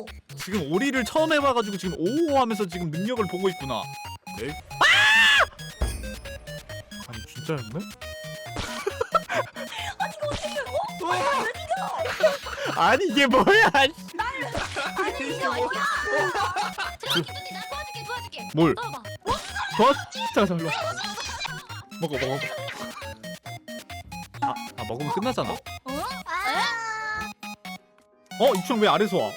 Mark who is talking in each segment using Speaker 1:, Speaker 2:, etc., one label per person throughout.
Speaker 1: 지금 오리를 처음 해봐가지고 지금 오오 하면서 지금 능력을 보고 있구나. 네? 아니 진짜였네?
Speaker 2: 아니 이거 어떻게
Speaker 1: 아니 이게 뭐야?
Speaker 2: 아니 이거 아니야. 도와줄게.
Speaker 1: 뭘?
Speaker 2: 떠봐.
Speaker 1: 잠깐 일로 와. 먹어. 아 먹으면 끝나잖아. 이충 왜 아래서 와?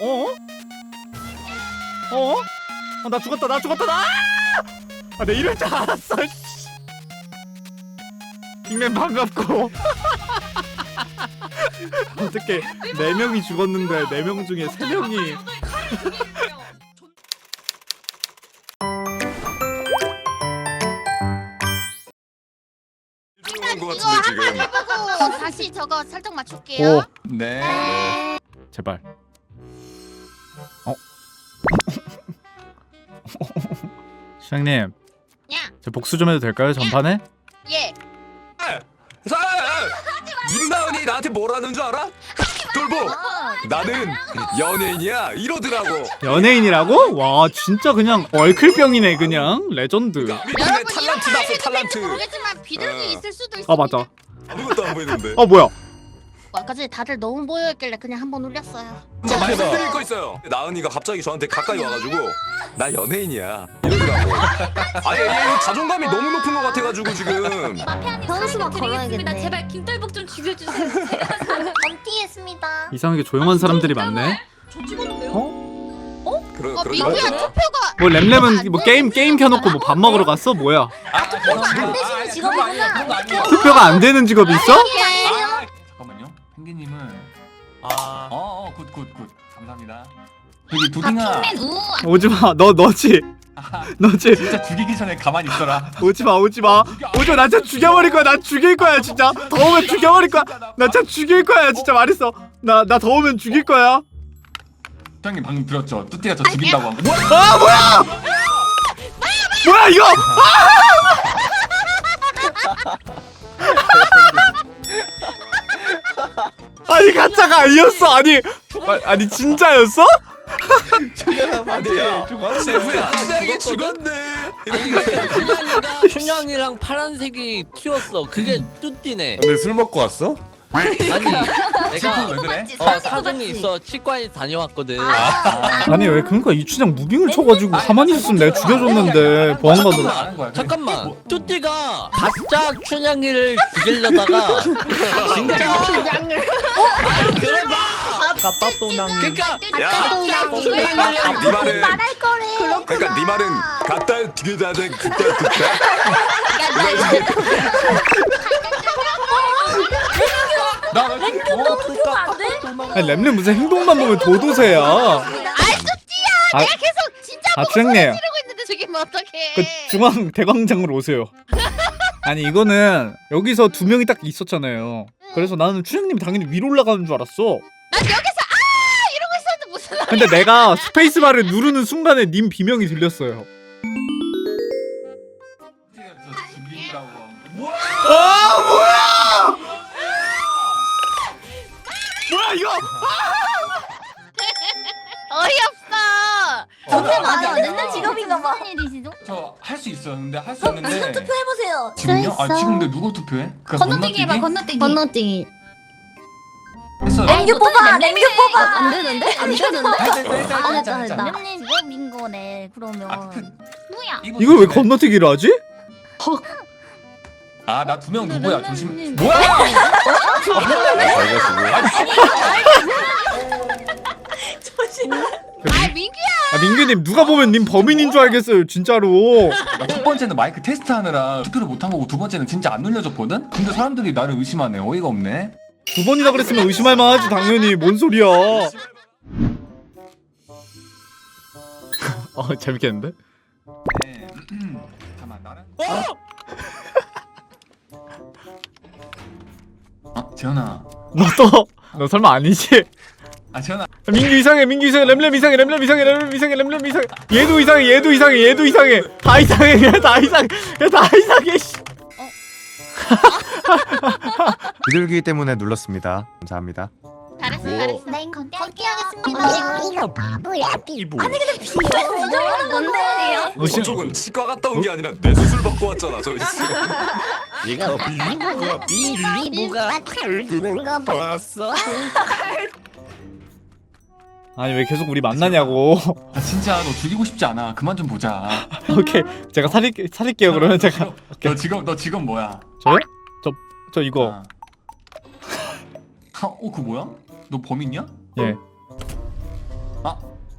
Speaker 1: 나 죽었다. 나 내 이럴 줄 알았어. 빅맨 반갑고. 어떻게 4명이 죽었는데 4명 중에 3명이
Speaker 3: 이거
Speaker 4: 이거 한 번 해보고 다시 저거 설정 맞출게요.
Speaker 1: 오
Speaker 3: 네.
Speaker 1: 제발. 시장님,
Speaker 4: 야,
Speaker 1: 저 복수 좀 해도 될까요? 전판에?
Speaker 4: 예.
Speaker 3: 임나은이 나한테 뭐라는 줄 알아? 돌보. 나는 연예인이야 이러더라고.
Speaker 1: 연예인이라고? 와 진짜 그냥 얼클병이네 그냥 레전드.
Speaker 3: 미국의
Speaker 4: 여러분
Speaker 3: 탤런트다
Speaker 4: 이런
Speaker 3: 탤런트.
Speaker 4: 모르겠지만 비둘기 있을 수도 있어.
Speaker 1: 아 맞다.
Speaker 3: 아무것도 안 보이는데.
Speaker 1: 뭐야?
Speaker 4: 아까 전에 다들 너무 모여있길래 그냥 한번 울렸어요.
Speaker 3: 저 말씀드릴 거 있어요. 나은이가 갑자기 저한테 가까이 와가지고 나 연예인이야 이러더라고. 아니 얘 자존감이 너무 높은 것 같아가지고 지금.
Speaker 2: 마피아님
Speaker 5: 변수만
Speaker 2: 사례
Speaker 5: 걸어야겠네.
Speaker 2: 드리겠습니다. 제발 김떨복 좀 죽여주세요.
Speaker 5: 건티했습니다.
Speaker 1: 이상하게 조용한 사람들이 많네.
Speaker 2: 저 찍었는데요?
Speaker 3: 그런
Speaker 4: 민규야 투표가
Speaker 1: 뭐 램램은 뭐 게임 켜놓고 뭐 밥 먹으러 갔어? 뭐야?
Speaker 5: 안 되시는 직업이구나.
Speaker 1: 투표가 안 되는 직업이 있어?
Speaker 6: 잠깐만요. 펭귄님은 굿. 감사합니다. 여기 두딩아.
Speaker 1: 오지마. 너지. 너지.
Speaker 6: 진짜 죽이기 전에 가만히 있어라.
Speaker 1: 오지마. 나 진짜 죽여버릴 거야. 나 죽일 거야 진짜. 더우면 죽여버릴 거야. 나 진짜 죽일 거야 진짜 말했어. 나 더우면 죽일 거야.
Speaker 6: 형님 방금 들었죠? 뚜띠가 저 죽인다고 한 거.
Speaker 1: 뭐야 이거? 아니 가짜가 아니었어. 아니 진짜였어?
Speaker 3: 아니야. 셰프야 한장에 죽었네.
Speaker 7: 춘향이랑 파란색이 튀었어. 그게 뚜띠네.
Speaker 8: 근데 술 먹고 왔어?
Speaker 7: 아니 내가
Speaker 6: 왜 그래?
Speaker 7: 사정이 있어. 치과에 다녀왔거든.
Speaker 1: 아니 왜 그러니까 이춘향 무빙을 쳐가지고 가만히 있으면 내가 죽여줬는데 보안관으로.
Speaker 6: 아는 거야.
Speaker 7: 잠깐만. 뚜띠가 바짝 춘향이를 죽이려다가 진짜 그러니까
Speaker 3: 네 말은
Speaker 5: 말할 거래.
Speaker 3: 그러니까 네 말은 갖다 뒤에다 대 그때.
Speaker 1: 아니 램램 무슨 행동만 보면 도도새야.
Speaker 4: 뚜띠야. 내가 계속 진짜
Speaker 1: 주장님
Speaker 4: 지르고 있는데 죽이면 어떡해.
Speaker 1: 그 중앙 대광장으로 오세요. 아니 이거는 여기서 2명이 딱 있었잖아요. 그래서 나는 춘향님이 당연히 위로 올라가는 줄 알았어.
Speaker 4: 난 여기서 이러고 있었는데 무슨 말이야.
Speaker 1: 근데 내가 스페이스바를 누르는 순간에 님 비명이 들렸어요.
Speaker 6: 뚜띠가 저 죽인다고 한 거.
Speaker 1: 뭐야 이거?
Speaker 4: 어이없어.
Speaker 5: 정말 맞아. 맨날 직업인가 봐. 일이시죠?
Speaker 6: 저 할 수 있어요. 근데 할 수 있는데
Speaker 5: 투표해보세요.
Speaker 6: 지금요? 지금 근데 누구 투표해? 그
Speaker 2: 건너뛰기 해봐. 건너뛰기.
Speaker 5: 건너뛰기.
Speaker 6: 했어요.
Speaker 5: 랭규 뽑아. 랭규 뽑아.
Speaker 2: 안 되는데? 안 되는데?
Speaker 5: 됐다.
Speaker 2: lem님 직업인 거네. 그러면 뭐야?
Speaker 1: 이걸 왜 건너뛰기를 하지?
Speaker 6: 나 2명 누구야? 조심.
Speaker 2: lem님.
Speaker 6: 뭐야?
Speaker 4: 민규야.
Speaker 1: 아 민규님 누가 보면 님 범인인 줄 알겠어요 진짜로.
Speaker 6: 첫 번째는 마이크 테스트하느라 투표를 못한 거고 두 번째는 진짜 안 눌려줬거든? 근데 사람들이 나를 의심하네. 어이가 없네.
Speaker 1: 2번이나 그랬으면 의심할 만하지 당연히. 뭔 소리야. 재밌겠는데?
Speaker 6: 네. 잠깐만 나랑 재현아.
Speaker 1: 너 설마 아니지?
Speaker 6: 재현아.
Speaker 1: 민규 이상해 램램 이상해 램램 이상해 얘도 이상해 다 이상해 다 이상해 씨.
Speaker 8: 비둘기 때문에 눌렀습니다. 감사합니다.
Speaker 4: 잘했어
Speaker 3: 뭐?
Speaker 4: 잘했어.
Speaker 5: 네,
Speaker 4: 건띠하겠습니다.
Speaker 5: 아니 근데 비밀은 뭔데?
Speaker 3: 저쪽은 치과 갔다 온 게 아니라 뇌 수술 받고 왔잖아 저 있어.
Speaker 7: 얘가 비밀보가 드는 거 봤어?
Speaker 1: 아니 왜 계속 우리 만나냐고.
Speaker 6: 아, 진짜 너 죽이고 싶지 않아. 그만 좀 보자.
Speaker 1: 오케이 제가 살릴게요 그러면 제가.
Speaker 6: 너 직업 뭐야?
Speaker 1: 저요? 저 이거.
Speaker 6: 아. 그 뭐야? 너 범인이야?
Speaker 1: 예.
Speaker 6: 아,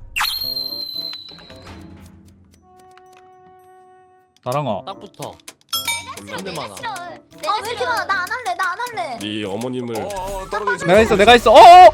Speaker 1: 나랑아.
Speaker 7: 딱 붙어. 근데 많아.
Speaker 5: 왜 이렇게 많아? 나 안 할래. 나 안 할래.
Speaker 8: 네 어머님을
Speaker 3: 떨어져 있어.
Speaker 1: 내가 있어. 어어.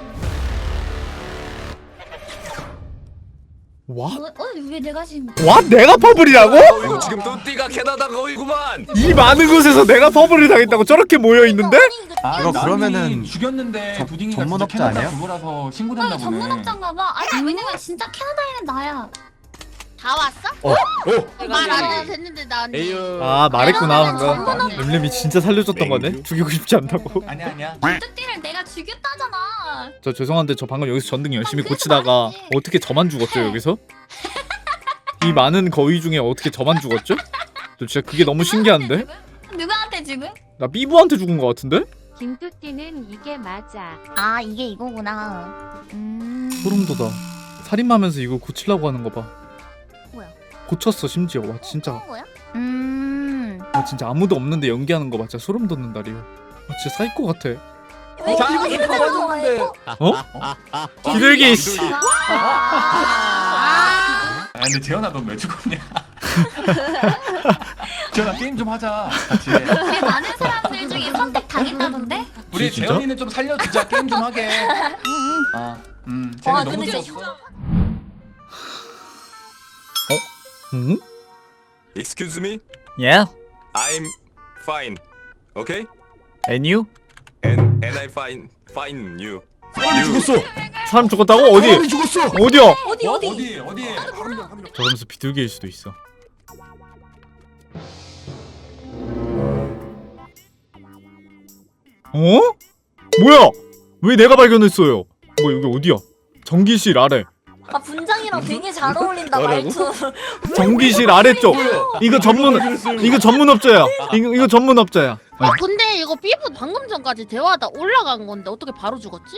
Speaker 1: 와?
Speaker 2: 왜 내가 지금
Speaker 1: 와 내가 퍼블이라고?
Speaker 3: 이거 지금 뚜띠가 캐나다 거이구만.
Speaker 1: 이 많은 곳에서 내가 퍼블을 당했다고 저렇게 모여 있는데?
Speaker 6: 아
Speaker 9: 이거
Speaker 6: 나은이
Speaker 9: 그러면은
Speaker 6: 죽였는데 부딩이가
Speaker 9: 전문업자
Speaker 6: 진짜 캐나다
Speaker 9: 아니야?
Speaker 6: 그거라서 신고됐나 보네.
Speaker 2: 전문업자인가 봐. 아니 왜냐면 진짜 캐나다에는 나야.
Speaker 4: 다 왔어? 말 안 해도 됐는데 나 언니.
Speaker 8: 에휴
Speaker 1: 아 말했구나
Speaker 2: 전문업-
Speaker 1: 방금. 렘렘이 진짜 살려줬던 거네. 죽이고 싶지 않다고.
Speaker 6: 아니야.
Speaker 2: 뚜띠를 내가 죽였다잖아.
Speaker 1: 저 죄송한데 저 방금 여기서 전등 열심히 고치다가 어떻게 저만 죽었죠 여기서? 이 많은 거위 중에 어떻게 저만 죽었죠? 저 진짜 그게 너무 신기한데?
Speaker 2: 누구한테 지금?
Speaker 1: 나 삐부한테 죽은 거 같은데?
Speaker 10: 김뚜띠는 이게 맞아.
Speaker 5: 아 이게 이거구나.
Speaker 1: 소름 돋아. 살인마면서 이거 고치려고 하는 거 봐.
Speaker 5: 뭐야?
Speaker 1: 고쳤어 심지어. 와 진짜.
Speaker 5: 뭐야?
Speaker 1: 와 진짜 아무도 없는데 연기하는 거 봐. 진짜 소름 돋는다 리오. 아 진짜 사이코 같아.
Speaker 5: 왜 이거 이런 거 좋아해?
Speaker 1: 기들기 씨.
Speaker 6: 아 근데 재현아 너 왜 죽었냐? 재현아 게임 좀 하자 같이.
Speaker 2: 되게 많은 사람들 중에 선택 당했다던데?
Speaker 6: 우리
Speaker 1: 진짜?
Speaker 6: 재현이는 좀 살려주자. 게임 좀 하게. 재현이
Speaker 5: 와
Speaker 6: 너무
Speaker 5: 근데
Speaker 6: 죽었어.
Speaker 1: 응?
Speaker 3: Excuse me,
Speaker 1: Yeah.
Speaker 3: I'm fine. Okay?
Speaker 1: And you?
Speaker 3: And I fine you.
Speaker 8: 죽었어.
Speaker 1: 사람 죽었다고? 어디?
Speaker 8: 사람이 죽었어.
Speaker 1: 어디야?
Speaker 6: 어디?
Speaker 1: 저러면서 비둘기일 수도 있어. 어? 뭐야? 왜 내가 발견했어요? 뭐 여기 어디야? 전기실 아래.
Speaker 5: 아 분장이랑 되게 잘 어울린다 말투.
Speaker 1: 전기실 아래쪽. 이거 전문업자야. 이거 전문업자야.
Speaker 4: 아 근데 이거 삐부 방금 전까지 대화하다 올라간 건데 어떻게 바로 죽었지?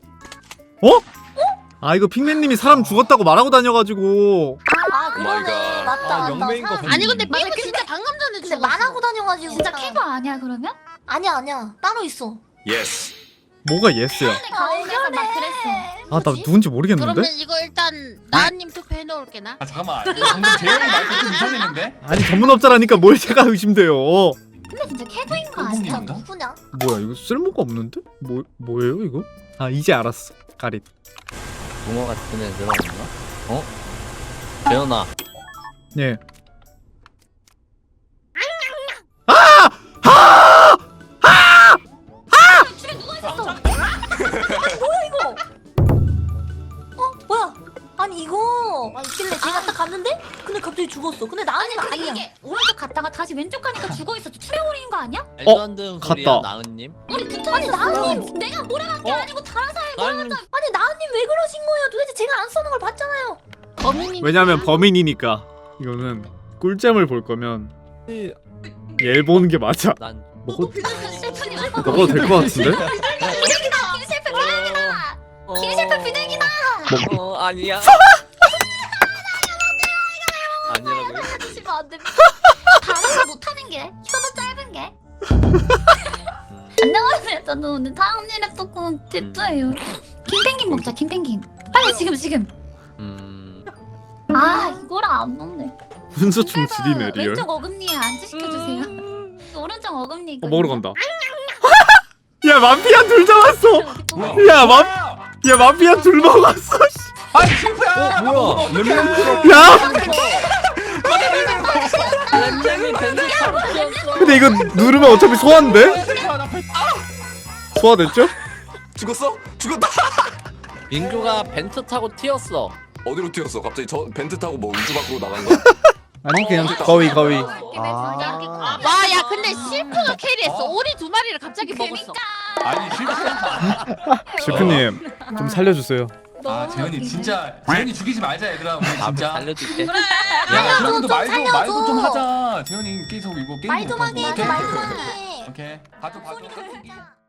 Speaker 1: 아 이거 핑맨님이 사람 죽었다고 말하고 다녀가지고.
Speaker 5: 아 그러네.
Speaker 3: 갓.
Speaker 5: 맞다.
Speaker 7: 영맹인 거
Speaker 4: 아니 근데 삐부 진짜 방금 전에
Speaker 5: 근데
Speaker 4: 죽었어.
Speaker 5: 말하고 다녀가지고.
Speaker 2: 진짜 캐버 아니야 그러면?
Speaker 5: 아니야. 따로 있어.
Speaker 3: Yes.
Speaker 1: 뭐가 예스야?
Speaker 2: 가오에서 막 그랬어.
Speaker 1: 아 나 누군지 모르겠는데?
Speaker 4: 그러면 이거 일단 나은님 투표 해놓을게 나.
Speaker 6: 아 잠깐만. 방금 재현이 말투 좀 이상했는데?
Speaker 1: 아니 전문업자라니까 뭘 제가 의심돼요.
Speaker 2: 근데 진짜 캐버인 거 아니야?
Speaker 5: 진짜
Speaker 6: 뽕뽕인가?
Speaker 5: 누구냐?
Speaker 1: 뭐야 이거 쓸모가 없는데? 뭐예요 이거? 아 이제 알았어. 가릿.
Speaker 7: 붕어 같은 애들 없나? 어? 재현아.
Speaker 1: 예.
Speaker 5: 뭐야? 아니 이거 있길래 제가 딱 갔는데 근데 갑자기 죽었어. 근데 나은이는
Speaker 2: 근데
Speaker 5: 아니야.
Speaker 2: 이게 오른쪽 갔다가 다시 왼쪽 가니까 죽어있었지. 투레오리인 거 아니야?
Speaker 7: 말도 안 되는 소리야
Speaker 1: 갔다.
Speaker 7: 나은님.
Speaker 2: 우리 붙어
Speaker 5: 아니
Speaker 2: 있었어.
Speaker 5: 나은님
Speaker 2: 내가 몰아간 게 아니고 다른 사람이
Speaker 7: 나은님
Speaker 5: 아니 나은님 왜 그러신 거예요? 도대체 제가 안 써는 걸 봤잖아요.
Speaker 1: 왜냐면 범인이니까. 이거는 꿀잼을 볼 거면 얘 보는 게 맞아.
Speaker 7: 난
Speaker 2: 셰프님
Speaker 1: 먹어도 될 것 같은데?
Speaker 2: 비둘기다. 김셰프 비둘기다. 김셰프 비둘기다.
Speaker 7: 아니야. 아니라고요?
Speaker 2: 하시면 안 됩니다. 다른 거 못하는 게 혀도 짧은 게. 안녕하세요. 저는 오늘 타운일의 토크 대표예요. 김펭귄 먹자. 김펭귄. 빨리 지금. 아 이거랑 안 먹네.
Speaker 1: 훈수충 지리네 리얼.
Speaker 2: 왼쪽 어금니에 안주 시켜주세요. 오른쪽 어금니.
Speaker 1: 먹으러 간다. 야 마피아 둘 잡았어. 야 마피아 둘 먹었어.
Speaker 6: 아니 실패야.
Speaker 7: 뭐야?
Speaker 1: 야
Speaker 7: 랜장이 벤츠 타고 튀었어.
Speaker 1: 근데 이거 누르면 어차피 소화인데? 소화됐죠?
Speaker 3: 죽었어? 죽었다.
Speaker 7: 민규가 벤트 타고 튀었어.
Speaker 3: 어디로 튀었어? 갑자기 저 벤트 타고 뭐 우주 밖으로 나간 거야?
Speaker 1: 아니 그냥 거위.
Speaker 4: 와 야 근데 실프가 캐리했어. 오리 두 마리를 갑자기 먹었어.
Speaker 6: 아니 실패한
Speaker 1: 셰프님 좀 살려주세요.
Speaker 6: 아 재현이 진짜 재현이 죽이지 말자 얘들아 우리 진짜.
Speaker 7: 살려줄게.
Speaker 6: 야 그럼도 말도 좀 하자. 재현이 계속 이거 게임
Speaker 5: 말 좀 하게 해줘, 말 좀 하게.
Speaker 6: 오케이. 봐줘.
Speaker 5: 소리 들자.